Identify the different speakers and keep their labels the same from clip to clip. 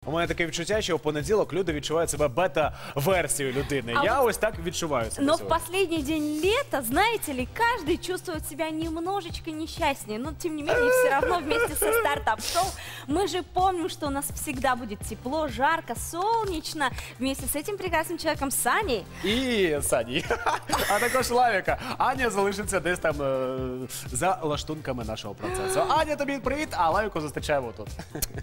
Speaker 1: У мене таке відчуття, що в понеділок люди відчувають себе бета-версією людини. Я ось так відчуваю себе.
Speaker 2: Но в последний день лета, знаете ли, каждый чувствует себя немножечко несчастнее. Но, тем не менее, все равно вместе со стартап-шоу мы же помним, что у нас всегда будет тепло, жарко, солнечно. Вместе с этим прекрасным человеком Саней.
Speaker 1: І Сані, а також Лавіка. Аня залишиться десь там за лаштунками нашого процесу. Аня, тобі привіт, а Лавіку зустрічаємо тут.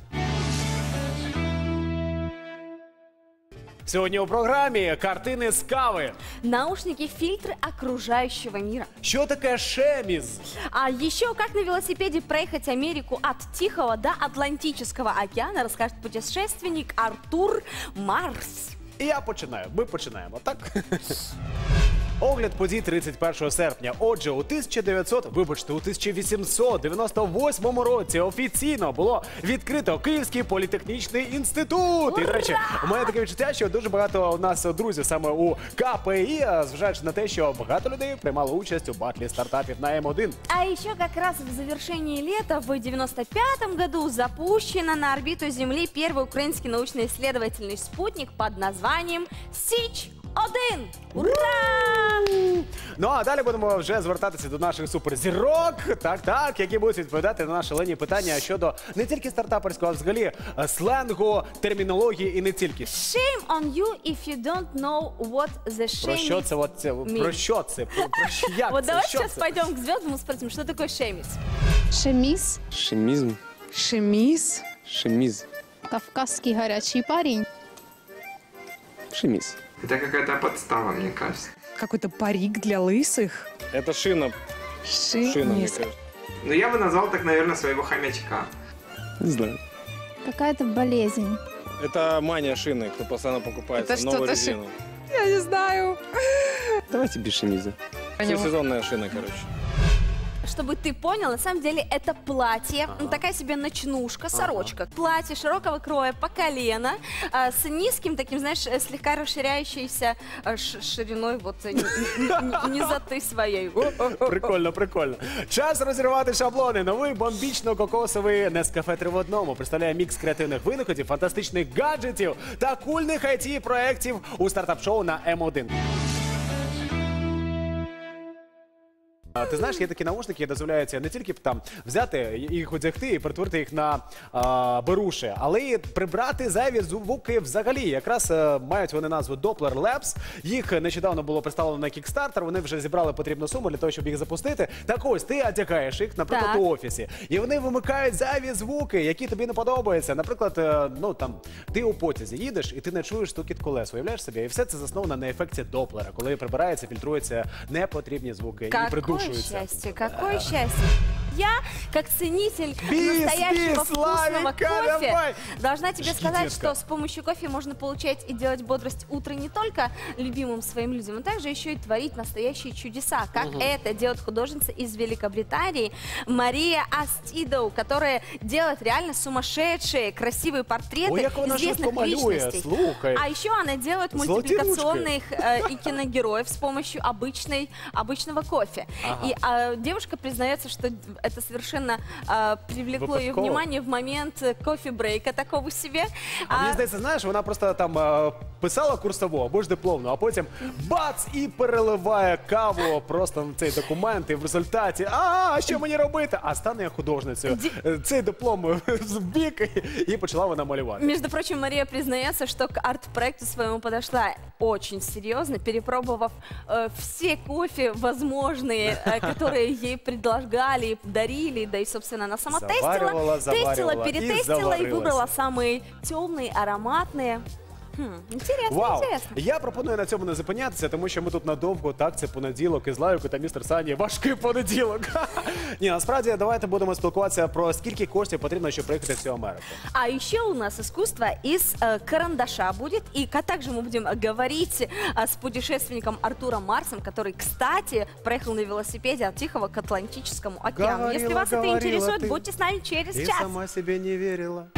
Speaker 1: Сьогодні у програмі картини з кави.
Speaker 2: Наушники, фильтры окружающего мира.
Speaker 1: Що таке шеміз?
Speaker 2: А еще как на велосипеде проехать Америку от Тихого до Атлантического океана, расскажет путешественник Артур Марс.
Speaker 1: І я починаю. Ми починаємо, так? Огляд подій 31 серпня. Отже, у 1898 році офіційно було відкрито Київський політехнічний інститут. І, до речі, у мене таке відчуття, що дуже багато у нас друзів саме у КПІ, зважаючи на те, що багато людей приймало участь у батлі стартапів на М1.
Speaker 2: А еще как раз в завершении лета в 95-м году запущено на орбиту Земли первый украинский научно-исследовательный спутник под названием Січ-1. Ура!
Speaker 1: Ну а далі будемо вже звертатися до наших суперзірок, так, які будуть відповідати на наші лені питання щодо не тільки стартаперського, а взагалі сленгу, термінології і не тільки.
Speaker 2: Shame on you if you don't know what the shame
Speaker 1: Про що це? Про що це? Про як
Speaker 2: Вот
Speaker 1: це?
Speaker 2: давай
Speaker 1: Що
Speaker 2: сейчас
Speaker 1: це?
Speaker 2: пойдем к звездам и спросим, что такое шемис.
Speaker 3: Шемис,
Speaker 4: Шемизм.
Speaker 3: шемис,
Speaker 4: Шемиз.
Speaker 3: кавказский горячий парень.
Speaker 4: Шемиз.
Speaker 5: Это какая-то подстава, мне кажется.
Speaker 6: Какой-то парик для лысых.
Speaker 4: Это шина. Шина, мне
Speaker 3: Шемис.
Speaker 4: кажется.
Speaker 5: Но я бы назвал так, наверное, своего хомячка.
Speaker 4: Не знаю.
Speaker 3: Какая-то болезнь.
Speaker 4: Это мания шины, кто постоянно покупает
Speaker 6: Это
Speaker 4: новую
Speaker 6: что-то
Speaker 4: резину.
Speaker 6: Я не знаю.
Speaker 4: Давайте без шемиза. Всесезонная шина, короче.
Speaker 2: Чтобы ты понял, на самом деле это платье, такая себе ночнушка, сорочка. Платье широкого кроя по колено, с низким таким, знаешь, слегка расширяющейся шириной вот низоты своей.
Speaker 1: Прикольно, прикольно. Час розірвати шаблони. Новий бомбічно-кокосовий Нескафе 3 в одному представляє мікс креативних винаходів, фантастичних гаджетів та кульних IT-проєктів у стартап-шоу на М1. Ти знаєш, є такі наушники, які дозволяються не тільки там взяти їх, одягти і перетворити їх на беруші, але й прибрати зайві звуки взагалі. Якраз мають вони назву Doppler Labs. Їх нещодавно було представлено на Kickstarter, вони вже зібрали потрібну суму для того, щоб їх запустити. Так ось, ти одягаєш їх, наприклад,
Speaker 2: Так.
Speaker 1: у офісі, і вони вимикають зайві звуки, які тобі не подобаються. Наприклад, ну там, ти у потязі їдеш, і ти не чуєш стукіт колес, уявляєш собі? І все це засновано на ефекті Доплера, коли прибираються, фільтруються непотрібні звуки і придушуються.
Speaker 2: Какое счастье. Я, как ценитель настоящего вкусного
Speaker 1: Славика,
Speaker 2: кофе,
Speaker 1: давай.
Speaker 2: должна тебе
Speaker 1: Жги,
Speaker 2: сказать,
Speaker 1: детка.
Speaker 2: что с помощью кофе можно получать и делать бодрость утра не только любимым своим людям, но также еще и творить настоящие чудеса, как это делает художница из Великобритании Мария Астидоу, которая делает реально сумасшедшие, красивые портреты
Speaker 1: Ой, як вона
Speaker 2: известных
Speaker 1: швидко малює,
Speaker 2: личностей.
Speaker 1: слухай.
Speaker 2: А еще она делает
Speaker 1: Золотые
Speaker 2: мультипликационных и киногероев с помощью обычного кофе. И девушка признается, что это совершенно привлекло ее
Speaker 1: Выпадково.
Speaker 2: внимание в момент кофе-брейка такого себе.
Speaker 1: А мені здається, знаєш, вона просто там писала курсову або ж дипломну, а потім бац і переливає каву просто на цей документ, і в результаті що мені робити? А стане я художницею. Цей диплом в бік, і почала вона малювати.
Speaker 2: Между прочим, Мария признается, что к арт-проекту своему подошла очень серьезно, перепробовав все кофе возможные, которые ей предлагали, дарили, да и, собственно, она сама
Speaker 1: Заваривала,
Speaker 2: тестила,
Speaker 1: заваривала и
Speaker 2: перетестила и
Speaker 1: заварилась.
Speaker 2: выбрала самые темные, ароматные. Интересно,
Speaker 1: Вау!
Speaker 2: интересно.
Speaker 1: Я пропоную на цьому не зупинятися, тому що ми тут надовго, так, це понеділок, із Лавікою та містер Сані. Важкий понеділок. Ні, насправді, давайте будемо спілкуватися про скільки коштів потрібно, щоб приїхати в цю Америку.
Speaker 2: А еще у нас искусство из карандаша будет. И также мы будем говорить с путешественником Артуром Марсом, который, кстати, проехал на велосипеде от Тихого к Атлантическому океану. Если
Speaker 1: Говорила,
Speaker 2: вас это
Speaker 1: говорила
Speaker 2: интересует,
Speaker 1: ты.
Speaker 2: будьте с нами через
Speaker 1: Ти
Speaker 2: час.
Speaker 1: сама себе не вірила.